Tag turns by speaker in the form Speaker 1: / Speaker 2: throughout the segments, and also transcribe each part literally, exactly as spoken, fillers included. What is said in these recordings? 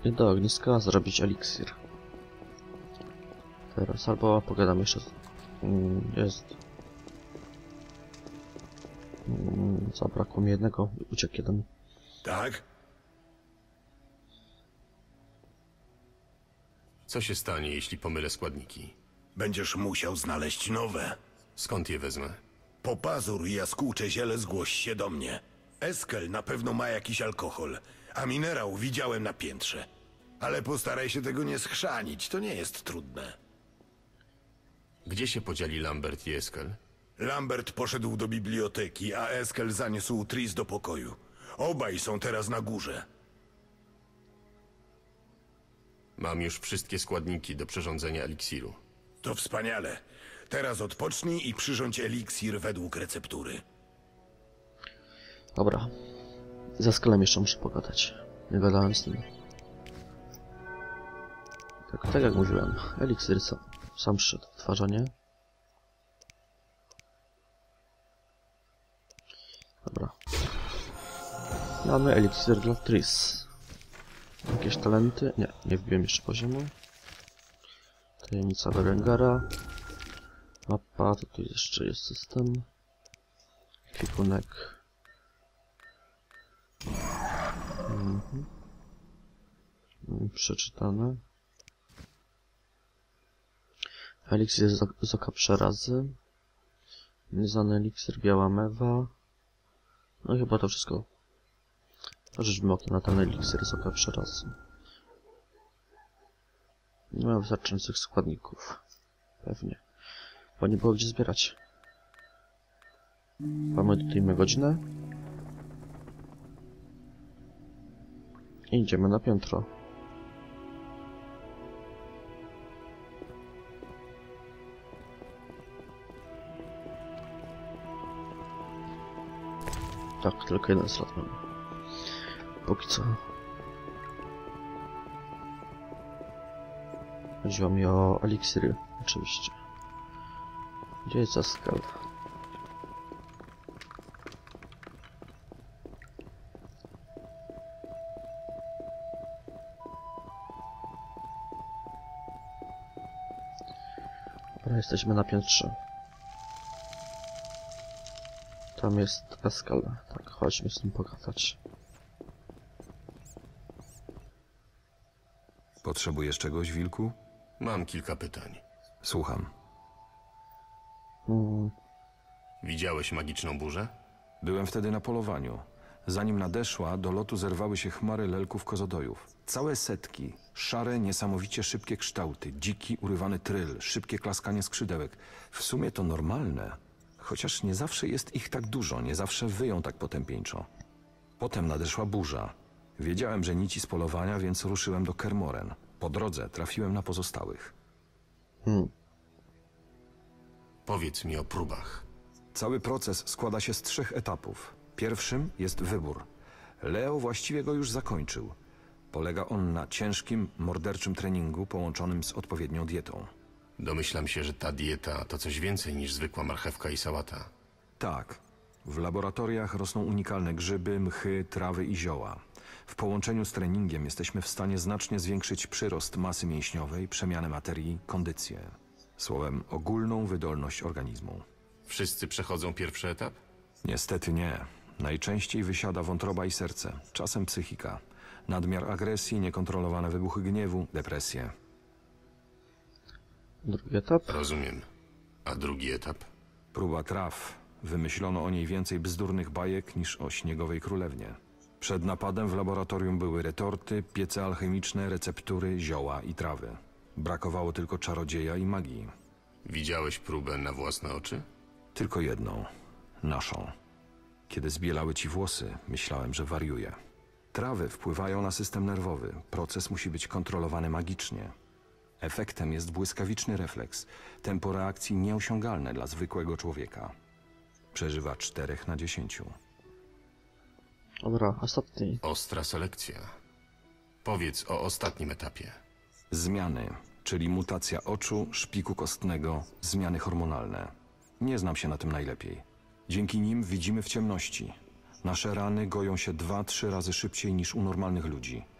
Speaker 1: I do ogniska zrobić eliksir. Teraz albo pogadam jeszcze. Jest. Zabrakło mi jednego, uciekł jeden.
Speaker 2: Tak?
Speaker 3: Co się stanie, jeśli pomylę składniki?
Speaker 2: Będziesz musiał znaleźć nowe.
Speaker 3: Skąd je wezmę?
Speaker 2: Po pazur i jaskółcze ziele zgłoś się do mnie. Eskel na pewno ma jakiś alkohol, a minerał widziałem na piętrze. Ale postaraj się tego nie schrzanić, to nie jest trudne.
Speaker 3: Gdzie się podzieli Lambert i Eskel?
Speaker 2: Lambert poszedł do biblioteki, a Eskel zaniósł Tris do pokoju. Obaj są teraz na górze.
Speaker 3: Mam już wszystkie składniki do przyrządzenia eliksiru.
Speaker 2: To wspaniale. Teraz odpocznij i przyrządź eliksir według receptury.
Speaker 1: Dobra. Ze Eskelem jeszcze muszę pogadać. Nie gadałem z nim. Tak, tak jak mówiłem, eliksir sam, sam szedł wytwarzanie. Dobra. Mamy eliksir dla Tris. Jakieś talenty? Nie, nie wbiłem jeszcze poziomu. Tajemnica Berengara. Mapa, to tu jeszcze jest system. Kwikunek. Mhm. Przeczytane. Eliksir z, z oka przerazy. Nieznany eliksir, biała mewa. No i chyba to wszystko. Rzućmy okiem na ten eliksir z oka przerazy. Nie mam wystarczających składników. Pewnie. Bo nie było gdzie zbierać. Mamy tutaj godzinę. I idziemy na piętro. Tak, tylko jeden slot mamy. Póki co. Chodziło mi o eliksiry, oczywiście. Gdzie jest Eskel? Dobra, jesteśmy na piętrze. Tam jest Eskel. Tak, chodźmy z nim pogadać.
Speaker 4: Potrzebujesz czegoś, wilku?
Speaker 3: Mam kilka pytań.
Speaker 4: Słucham.
Speaker 1: Hmm.
Speaker 3: Widziałeś magiczną burzę?
Speaker 4: Byłem wtedy na polowaniu. Zanim nadeszła, do lotu zerwały się chmary lelków kozodojów. Całe setki. Szare, niesamowicie szybkie kształty. Dziki, urywany tryl. Szybkie klaskanie skrzydełek. W sumie to normalne. Chociaż nie zawsze jest ich tak dużo. Nie zawsze wyją tak potępieńczo. Potem nadeszła burza. Wiedziałem, że nici z polowania, więc ruszyłem do Kermoren. Po drodze trafiłem na pozostałych.
Speaker 1: Hmm.
Speaker 3: Powiedz mi o próbach.
Speaker 4: Cały proces składa się z trzech etapów. Pierwszym jest wybór. Leo właściwie go już zakończył. Polega on na ciężkim, morderczym treningu połączonym z odpowiednią dietą.
Speaker 3: Domyślam się, że ta dieta to coś więcej niż zwykła marchewka i sałata.
Speaker 4: Tak. W laboratoriach rosną unikalne grzyby, mchy, trawy i zioła. W połączeniu z treningiem jesteśmy w stanie znacznie zwiększyć przyrost masy mięśniowej, przemianę materii, kondycję. Słowem, ogólną wydolność organizmu.
Speaker 3: Wszyscy przechodzą pierwszy etap?
Speaker 4: Niestety nie. Najczęściej wysiada wątroba i serce, czasem psychika. Nadmiar agresji, niekontrolowane wybuchy gniewu, depresje.
Speaker 1: Drugi etap?
Speaker 3: Rozumiem. A drugi etap?
Speaker 4: Próba traw. Wymyślono o niej więcej bzdurnych bajek niż o śniegowej królewnie. Przed napadem w laboratorium były retorty, piece alchemiczne, receptury, zioła i trawy. Brakowało tylko czarodzieja i magii.
Speaker 3: Widziałeś próbę na własne oczy?
Speaker 4: Tylko jedną. Naszą. Kiedy zbielały ci włosy, myślałem, że wariuję. Trawy wpływają na system nerwowy. Proces musi być kontrolowany magicznie. Efektem jest błyskawiczny refleks. Tempo reakcji nieosiągalne dla zwykłego człowieka. Przeżywa czterech na dziesięciu.
Speaker 1: Dobra, ostatni.
Speaker 3: Ostra selekcja. Powiedz o ostatnim etapie.
Speaker 4: Zmiany, czyli mutacja oczu, szpiku kostnego, zmiany hormonalne. Nie znam się na tym najlepiej. Dzięki nim widzimy w ciemności. Nasze rany goją się dwa, trzy razy szybciej niż u normalnych ludzi.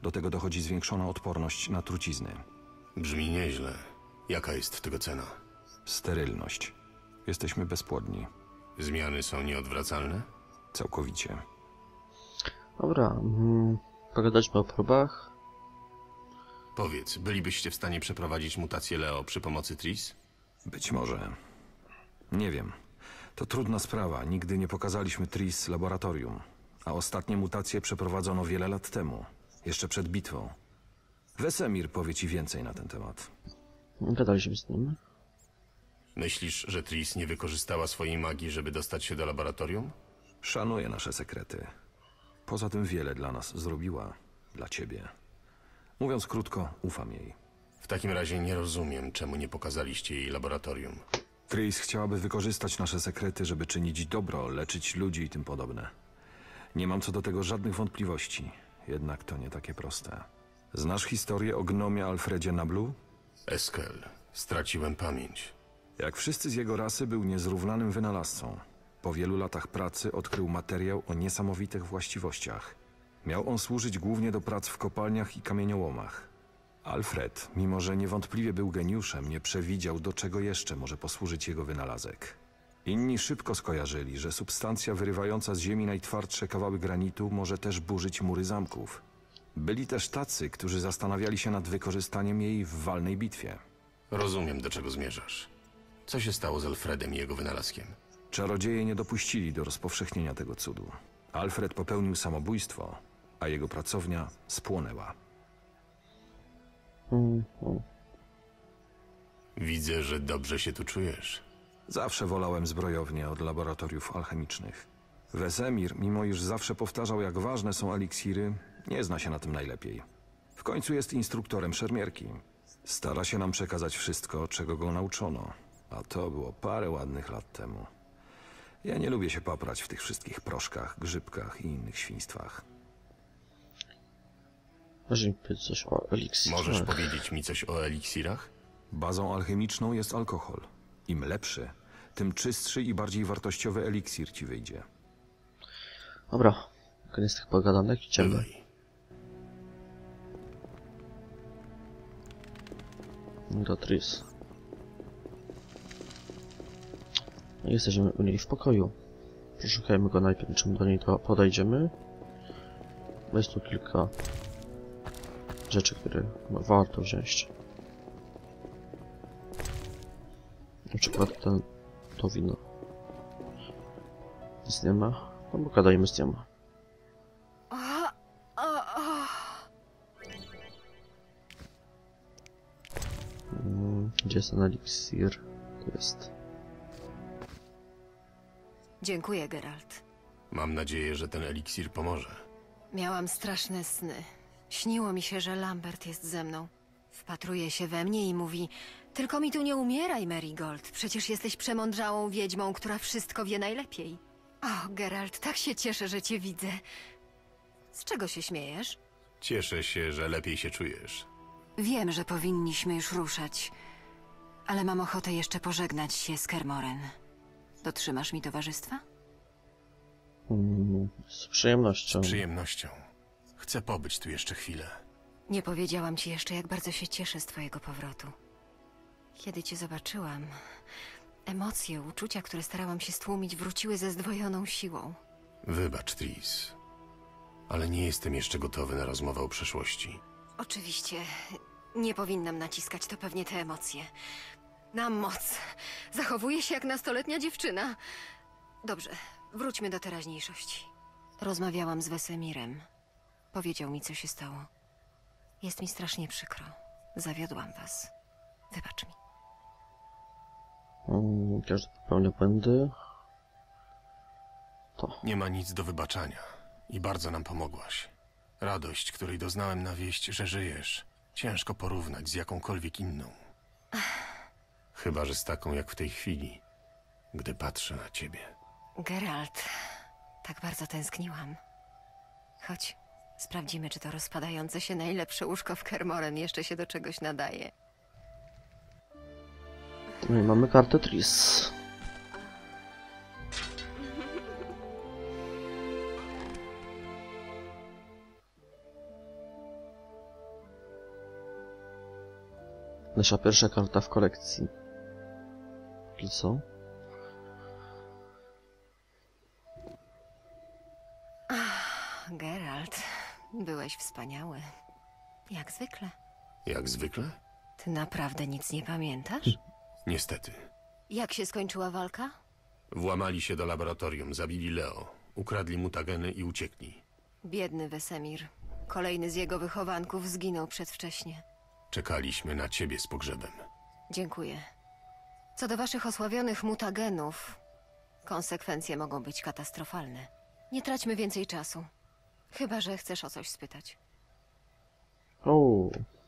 Speaker 4: Do tego dochodzi zwiększona odporność na trucizny.
Speaker 3: Brzmi nieźle. Jaka jest tego cena?
Speaker 4: Sterylność. Jesteśmy bezpłodni.
Speaker 3: Zmiany są nieodwracalne?
Speaker 4: Całkowicie.
Speaker 1: Dobra, mm, pogadaliśmy o próbach.
Speaker 3: Powiedz, bylibyście w stanie przeprowadzić mutację Leo przy pomocy Tris?
Speaker 4: Być może. Nie wiem. To trudna sprawa. Nigdy nie pokazaliśmy Tris laboratorium. A ostatnie mutacje przeprowadzono wiele lat temu. Jeszcze przed bitwą. Wesemir powie ci więcej na ten temat.
Speaker 1: Gadaliśmy z nim.
Speaker 3: Myślisz, że Tris nie wykorzystała swojej magii, żeby dostać się do laboratorium?
Speaker 4: Szanuje nasze sekrety. Poza tym wiele dla nas zrobiła. Dla ciebie. Mówiąc krótko, ufam jej.
Speaker 3: W takim razie nie rozumiem, czemu nie pokazaliście jej laboratorium.
Speaker 4: Tris chciałaby wykorzystać nasze sekrety, żeby czynić dobro, leczyć ludzi i tym podobne. Nie mam co do tego żadnych wątpliwości. Jednak to nie takie proste. Znasz historię o gnomie Alfredzie Nablu?
Speaker 3: Eskel, straciłem pamięć.
Speaker 4: Jak wszyscy z jego rasy, był niezrównanym wynalazcą. Po wielu latach pracy odkrył materiał o niesamowitych właściwościach. Miał on służyć głównie do prac w kopalniach i kamieniołomach. Alfred, mimo że niewątpliwie był geniuszem, nie przewidział, do czego jeszcze może posłużyć jego wynalazek. Inni szybko skojarzyli, że substancja wyrywająca z ziemi najtwardsze kawały granitu może też burzyć mury zamków. Byli też tacy, którzy zastanawiali się nad wykorzystaniem jej w walnej bitwie.
Speaker 3: Rozumiem, do czego zmierzasz. Co się stało z Alfredem i jego wynalazkiem?
Speaker 4: Czarodzieje nie dopuścili do rozpowszechnienia tego cudu. Alfred popełnił samobójstwo, a jego pracownia spłonęła.
Speaker 1: Mm, mm.
Speaker 3: Widzę, że dobrze się tu czujesz.
Speaker 4: Zawsze wolałem zbrojownię od laboratoriów alchemicznych. Wesemir, mimo iż zawsze powtarzał, jak ważne są eliksiry, nie zna się na tym najlepiej. W końcu jest instruktorem szermierki. Stara się nam przekazać wszystko, czego go nauczono. A to było parę ładnych lat temu. Ja nie lubię się paprać w tych wszystkich proszkach, grzybkach i innych świństwach.
Speaker 1: Może mi powiedzieć coś o eliksirach.
Speaker 3: Możesz powiedzieć mi coś o eliksirach?
Speaker 4: Bazą alchemiczną jest alkohol. Im lepszy, tym czystszy i bardziej wartościowy eliksir ci wyjdzie.
Speaker 1: Dobra, koniec tych pogadanek, idziemy.
Speaker 3: Bywaj.
Speaker 1: Do Tris. No i jesteśmy u niej w pokoju. Przeszukajmy go najpierw, czym do niej to podejdziemy. Bo jest tu kilka rzeczy, które warto wziąć. Na przykład ten, to wino. Nic nie ma. No bo gadajmy z nią. Mm, gdzie jest ten eliksir? Tu jest.
Speaker 5: Dziękuję, Geralt.
Speaker 3: Mam nadzieję, że ten eliksir pomoże.
Speaker 5: Miałam straszne sny. Śniło mi się, że Lambert jest ze mną. Wpatruje się we mnie i mówi: tylko mi tu nie umieraj, Marigold. Przecież jesteś przemądrzałą wiedźmą, która wszystko wie najlepiej. O, Geralt, tak się cieszę, że cię widzę. Z czego się śmiejesz?
Speaker 3: Cieszę się, że lepiej się czujesz.
Speaker 5: Wiem, że powinniśmy już ruszać, ale mam ochotę jeszcze pożegnać się z Kermoren. Dotrzymasz mi towarzystwa?
Speaker 1: Mm, z przyjemnością.
Speaker 3: Z przyjemnością. Chcę pobyć tu jeszcze chwilę.
Speaker 5: Nie powiedziałam ci jeszcze, jak bardzo się cieszę z twojego powrotu. Kiedy cię zobaczyłam, emocje, uczucia, które starałam się stłumić, wróciły ze zdwojoną siłą.
Speaker 3: Wybacz, Tris. Ale nie jestem jeszcze gotowy na rozmowę o przeszłości.
Speaker 5: Oczywiście, nie powinnam naciskać, to pewnie te emocje. Na moc. Zachowuję się jak nastoletnia dziewczyna. Dobrze, wróćmy do teraźniejszości. Rozmawiałam z Wesemirem. Powiedział mi, co się stało. Jest mi strasznie przykro. Zawiodłam was. Wybacz mi.
Speaker 1: Mm, każdy popełnia błędy. To.
Speaker 3: Nie ma nic do wybaczania. I bardzo nam pomogłaś. Radość, której doznałem na wieść, że żyjesz, ciężko porównać z jakąkolwiek inną. Chyba że z taką jak w tej chwili, gdy patrzę na ciebie.
Speaker 5: Geralt, tak bardzo tęskniłam. Chodź, sprawdzimy, czy to rozpadające się najlepsze łóżko w Kermoren jeszcze się do czegoś nadaje.
Speaker 1: No i mamy kartę Tris. Nasza pierwsza karta w kolekcji. I co?
Speaker 5: Geralt, byłeś wspaniały. Jak zwykle.
Speaker 3: Jak zwykle?
Speaker 5: Ty naprawdę nic nie pamiętasz?
Speaker 3: Niestety.
Speaker 5: Jak się skończyła walka?
Speaker 3: Włamali się do laboratorium, zabili Leo, ukradli mutageny i uciekli.
Speaker 5: Biedny Wesemir. Kolejny z jego wychowanków zginął przedwcześnie.
Speaker 3: Czekaliśmy na ciebie z pogrzebem.
Speaker 5: Dziękuję. Co do waszych osławionych mutagenów, konsekwencje mogą być katastrofalne. Nie traćmy więcej czasu. Chyba że chcesz o coś spytać.
Speaker 1: O,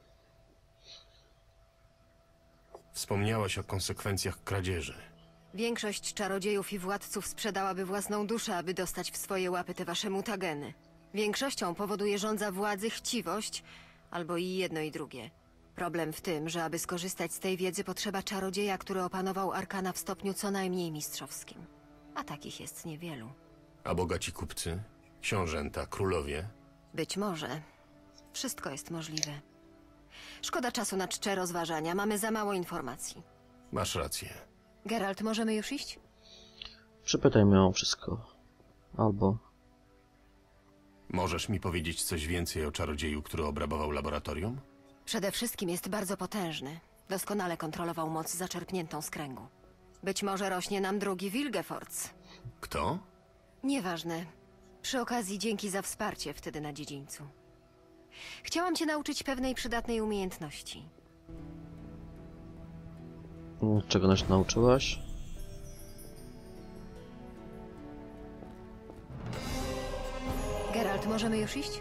Speaker 3: Wspomniałaś o konsekwencjach kradzieży.
Speaker 5: Większość czarodziejów i władców sprzedałaby własną duszę, aby dostać w swoje łapy te wasze mutageny. Większością powoduje żądza władzy chciwość, albo i jedno i drugie. Problem w tym, że aby skorzystać z tej wiedzy potrzeba czarodzieja, który opanował arkana w stopniu co najmniej mistrzowskim. A takich jest niewielu.
Speaker 3: A bogaci kupcy? Książęta, królowie?
Speaker 5: Być może. Wszystko jest możliwe. Szkoda czasu na czcze rozważania, mamy za mało informacji.
Speaker 3: Masz rację.
Speaker 5: Geralt, możemy już iść?
Speaker 1: przypytajmy ją o wszystko. Albo...
Speaker 3: Możesz mi powiedzieć coś więcej o czarodzieju, który obrabował laboratorium?
Speaker 5: Przede wszystkim jest bardzo potężny. Doskonale kontrolował moc zaczerpniętą z kręgu. Być może rośnie nam drugi Wilgefortz.
Speaker 3: Kto?
Speaker 5: Nieważne. Przy okazji dzięki za wsparcie wtedy na dziedzińcu. Chciałam cię nauczyć pewnej przydatnej umiejętności.
Speaker 1: Czego nas nauczyłaś?
Speaker 5: Geralt, możemy już iść?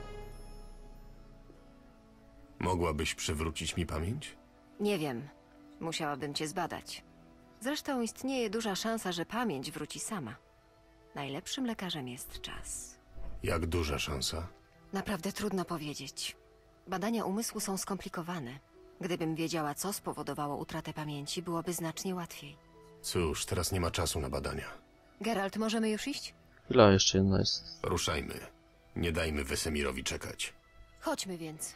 Speaker 3: Mogłabyś przywrócić mi pamięć?
Speaker 5: Nie wiem. Musiałabym cię zbadać. Zresztą istnieje duża szansa, że pamięć wróci sama. Najlepszym lekarzem jest czas.
Speaker 3: Jak duża szansa?
Speaker 5: Naprawdę trudno powiedzieć. Badania umysłu są skomplikowane. Gdybym wiedziała, co spowodowało utratę pamięci, byłoby znacznie łatwiej.
Speaker 3: Cóż, teraz nie ma czasu na badania.
Speaker 5: Geralt, możemy już iść?
Speaker 1: Chwila, jeszcze jedna jest.
Speaker 3: Ruszajmy. Nie dajmy Wesemirowi czekać.
Speaker 5: Chodźmy więc.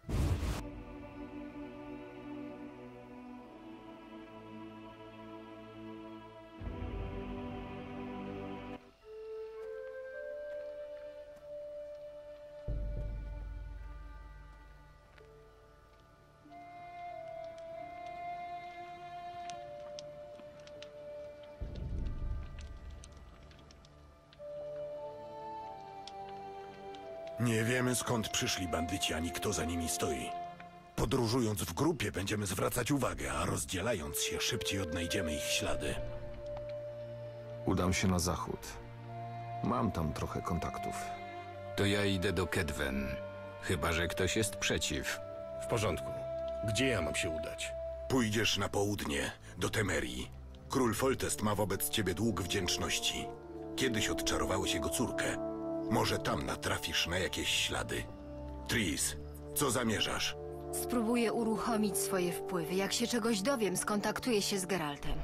Speaker 2: Nie wiemy, skąd przyszli bandyci, ani kto za nimi stoi. Podróżując w grupie będziemy zwracać uwagę, a rozdzielając się szybciej odnajdziemy ich ślady.
Speaker 4: Udam się na zachód. Mam tam trochę kontaktów.
Speaker 6: To ja idę do Kedwen. Chyba że ktoś jest przeciw.
Speaker 3: W porządku. Gdzie ja mam się udać?
Speaker 2: Pójdziesz na południe, do Temerii. Król Foltest ma wobec ciebie dług wdzięczności. Kiedyś odczarowałeś jego córkę. Może tam natrafisz na jakieś ślady. Tris, co zamierzasz?
Speaker 5: Spróbuję uruchomić swoje wpływy. Jak się czegoś dowiem, skontaktuję się z Geraltem.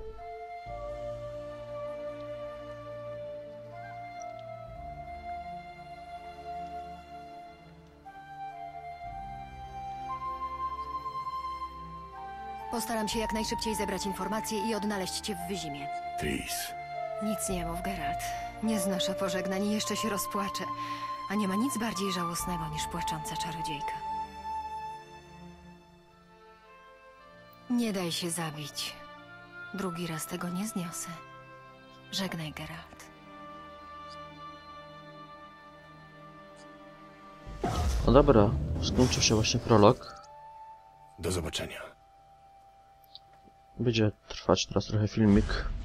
Speaker 5: Postaram się jak najszybciej zebrać informacje i odnaleźć cię w Wyzimie.
Speaker 3: Tris.
Speaker 5: Nic nie mów, Geralt. Nie znoszę pożegnań i jeszcze się rozpłaczę. A nie ma nic bardziej żałosnego niż płacząca czarodziejka. Nie daj się zabić. Drugi raz tego nie zniosę. Żegnaj, Geralt.
Speaker 1: No dobra, skończył się właśnie prolog.
Speaker 3: Do zobaczenia.
Speaker 1: Będzie trwać teraz trochę filmik.